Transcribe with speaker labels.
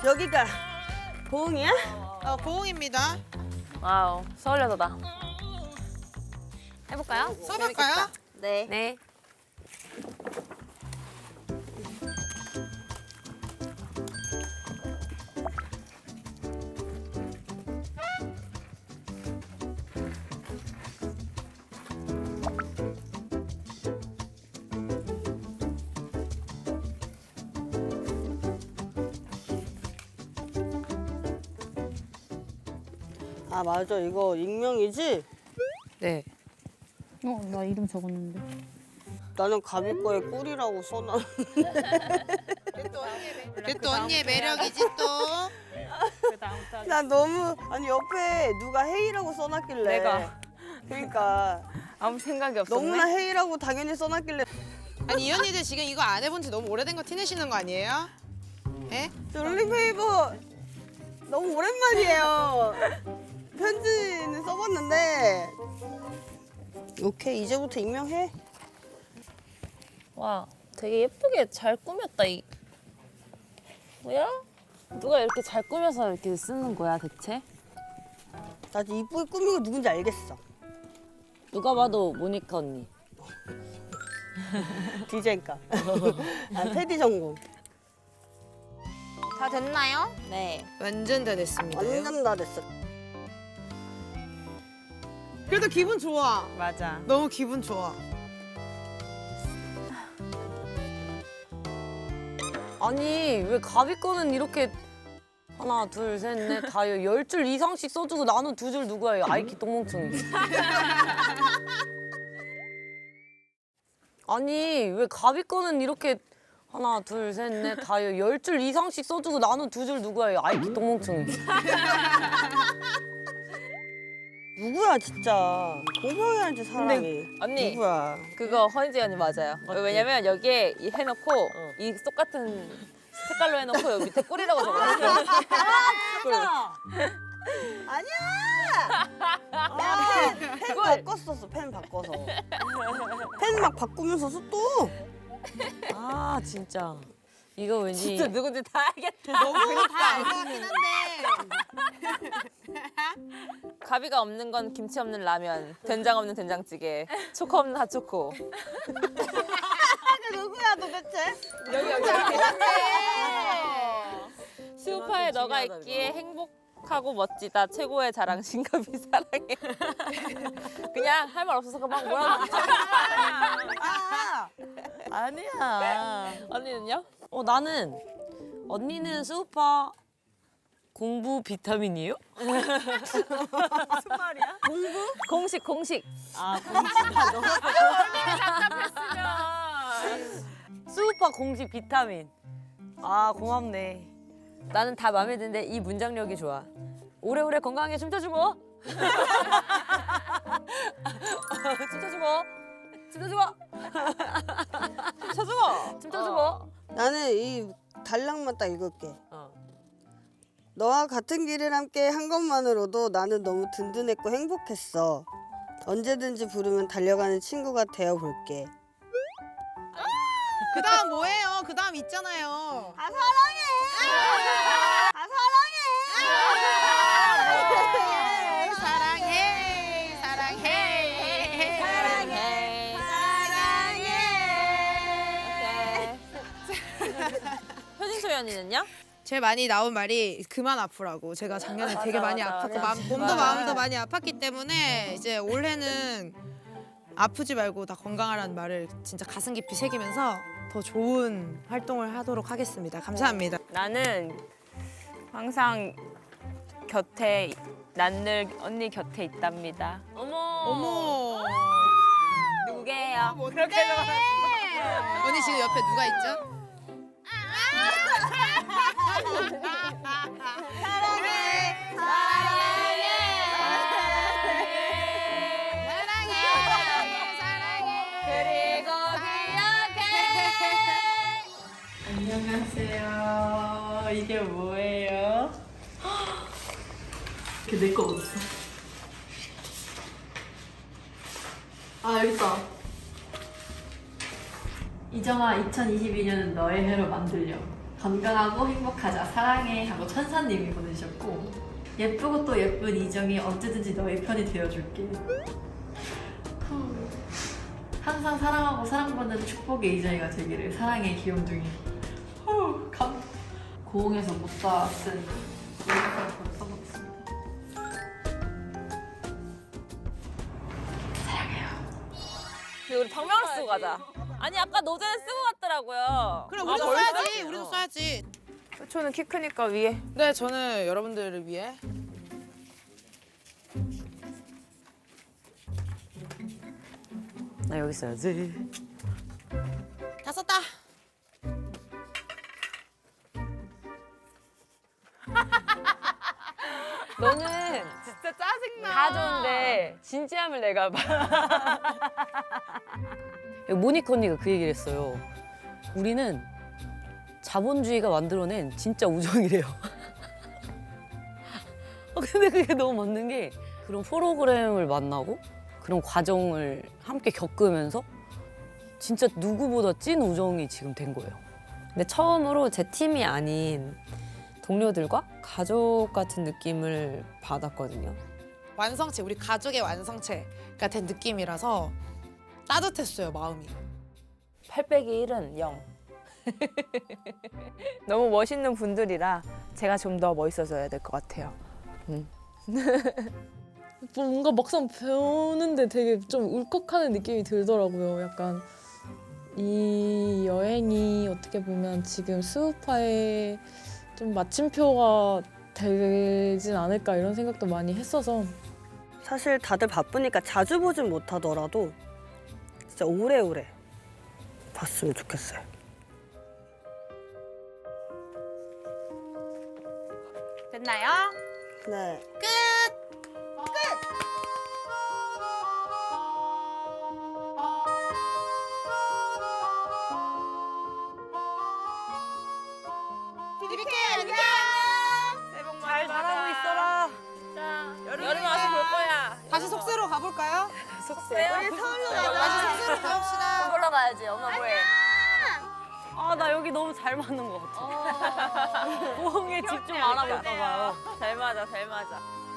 Speaker 1: 여기가 고흥이야?
Speaker 2: 고흥입니다.
Speaker 3: 와우, 서울 여자다. 해볼까요?
Speaker 2: 써볼까요?
Speaker 1: 네.
Speaker 3: 네.
Speaker 1: 아 맞아 이거 익명이지?
Speaker 3: 네.
Speaker 4: 나 이름 적었는데.
Speaker 1: 나는 가비 거에 꿀이라고 써놔.
Speaker 2: 그게 또 언니의 매력이지 또.
Speaker 1: 나 너무 아니 옆에 누가 헤이라고 써놨길래.
Speaker 3: 내가.
Speaker 1: 그러니까
Speaker 3: 아무 생각이 없었네.
Speaker 1: 너무나 헤이라고 당연히 써놨길래.
Speaker 2: 아니 이 언니들 지금 이거 안 해본 지 너무 오래된 거 티내시는 거 아니에요? 예?
Speaker 1: 롤링페이버 너무 오랜만이에요. 편지는 써봤는데. 오케이 이제부터 익명해.
Speaker 3: 와, 되게 예쁘게 잘 꾸몄다. 뭐야? 누가 이렇게 잘 꾸며서 이렇게 쓰는 거야, 대체?
Speaker 1: 나 이쁘게 꾸미고 누군지 알겠어.
Speaker 3: 누가 봐도 모니카 언니.
Speaker 1: 디자인과. 아 테디 전공.
Speaker 3: 다 됐나요? 네.
Speaker 2: 완전 다 됐습니다.
Speaker 1: 완전 다 됐어.
Speaker 2: 그래도 기분 좋아.
Speaker 3: 맞아.
Speaker 2: 너무 기분 좋아.
Speaker 5: 아니 왜 가비 거는 이렇게 하나 둘 셋 넷 다 10줄 이상씩 써주고 나는 2줄 누구야 이 아이키 똥멍청이. 아니 왜 가비 거는 이렇게 하나 둘 셋 넷 다 10줄 이상씩 써주고 나는 2줄 누구야 이 아이키 똥멍청이.
Speaker 1: 누구야 진짜. 공평해야지 사람이.
Speaker 3: 언니.
Speaker 1: 누구야.
Speaker 3: 그거 허니지 언니 맞아요. 왜냐면 여기에 해놓고 이 똑같은 색깔로 해놓고 여기 밑에 꿀이라고 적어놨어요.
Speaker 1: 아니야. 펜 바꿨었어. 펜 바꿔서. 펜 막 바꾸면서 써 또.
Speaker 5: 아 진짜 이거 왠지
Speaker 3: 진짜 누군지 다 알겠다.
Speaker 2: 너무 다 알고 하긴 한데.
Speaker 3: 가비가 없는 건 김치 없는 라면, 된장 없는 된장찌개, 초코 없는 핫초코.
Speaker 1: 누구야 도대체?
Speaker 3: 여기. 수우파에 너가 있기에 행복하고 멋지다. 최고의 자랑 신가비 사랑해. 그냥 할 말 없어서 그만 뭐라고.
Speaker 5: 아니야.
Speaker 3: 언니는요?
Speaker 5: 나는 언니는 수우파 공부 비타민이에요?
Speaker 3: 공식.
Speaker 5: 아 수우파 공식 비타민. 아 고맙네. 나는 다 마음에 드는데 이 문장력이 좋아. 오래오래 건강하게 춤춰주고. 춤춰주고. 춤춰주고.
Speaker 1: 나는 이 단락만 딱 읽을게.
Speaker 5: 어.
Speaker 1: 너와 같은 길을 함께 한 것만으로도 나는 너무 든든했고 행복했어. 언제든지 부르면 달려가는 친구가 되어볼게.
Speaker 2: 그 다음 뭐예요? 그 다음 있잖아요.
Speaker 1: 아 사랑해.
Speaker 2: 사랑해.
Speaker 3: 효진소희 언니는요?
Speaker 2: 제일 많이 나온 말이 그만 아프라고. 제가 작년에 되게 많이 아팠고 몸도 마음도 많이 아팠기 때문에 이제 올해는 아프지 말고 다 건강하라는 말을 진짜 가슴 깊이 새기면서 더 좋은 활동을 하도록 하겠습니다. 감사합니다.
Speaker 3: 나는 항상 곁에 난 늘 언니 곁에 있답니다.
Speaker 2: 어머.
Speaker 3: 누구게요?
Speaker 2: 그렇게 언니 지금 옆에 누가 있죠?
Speaker 3: 그리고
Speaker 6: 안녕하세요. 이게 뭐예요? 이게 내 거 어딨어? 아 여기 있다. 이정아 2022년은 너의 해로 만들려. 건강하고 행복하자 사랑해 하고 천사님이 보내주셨고 예쁘고 또 예쁜 이정이 언제든지 너의 편이 되어줄게. 항상 사랑하고 사랑받는 축복의 이정이가 되기를. 사랑해 귀염둥이. 고흥에서 못다 쓴 여기까지 써보겠습니다.
Speaker 3: 우리 박명을 쓰고 가자. 아니 아까 노제는 쓰고 갔더라고요.
Speaker 2: 그래 우리도 써야지. 우리도 써야지.
Speaker 3: 효초는 키 크니까 위에.
Speaker 2: 네 저는 여러분들을 위해
Speaker 5: 나 여기 써야지.
Speaker 2: 다 썼다.
Speaker 5: 너는
Speaker 3: 진짜 짜증나.
Speaker 5: 다 좋은데 진지함을 내가 봐. 모니카 언니가 그 얘기를 했어요. 우리는 자본주의가 만들어낸 진짜 우정이래요. 근데 그게 너무 맞는 게 그런 프로그램을 만나고 그런 과정을 함께 겪으면서 진짜 누구보다 찐 우정이 지금 된 거예요.
Speaker 7: 근데 처음으로 제 팀이 아닌 동료들과 가족 같은 느낌을 받았거든요.
Speaker 2: 완성체 우리 가족의 완성체가 된 느낌이라서 따뜻했어요 마음이.
Speaker 3: 8×1은 0. 너무 멋있는 분들이라 제가 좀 더 멋있어져야 될 것 같아요.
Speaker 8: 뭔가 막상 배우는데 되게 좀 울컥하는 느낌이 들더라고요. 약간 이 여행이 어떻게 보면 지금 수우파의 좀 마침표가 되진 않을까 이런 생각도 많이 했어서
Speaker 1: 사실 다들 바쁘니까 자주 보진 못하더라도 진짜 오래오래 봤으면 좋겠어요.
Speaker 3: 됐나요?
Speaker 1: 네.
Speaker 3: 잘 자라고 있어라. 여름에 와서 볼 거야.
Speaker 2: 다시 속세로 가볼까요?
Speaker 3: 속세요?
Speaker 2: 다시 속세로 가봅시다.
Speaker 3: 보러 가야지. 엄마 뭐해?
Speaker 5: 아, 나 여기 너무 잘 맞는 것 같아. 보홍에 집중 안 하고 있다 봐요.
Speaker 3: 잘 맞아, 잘 맞아.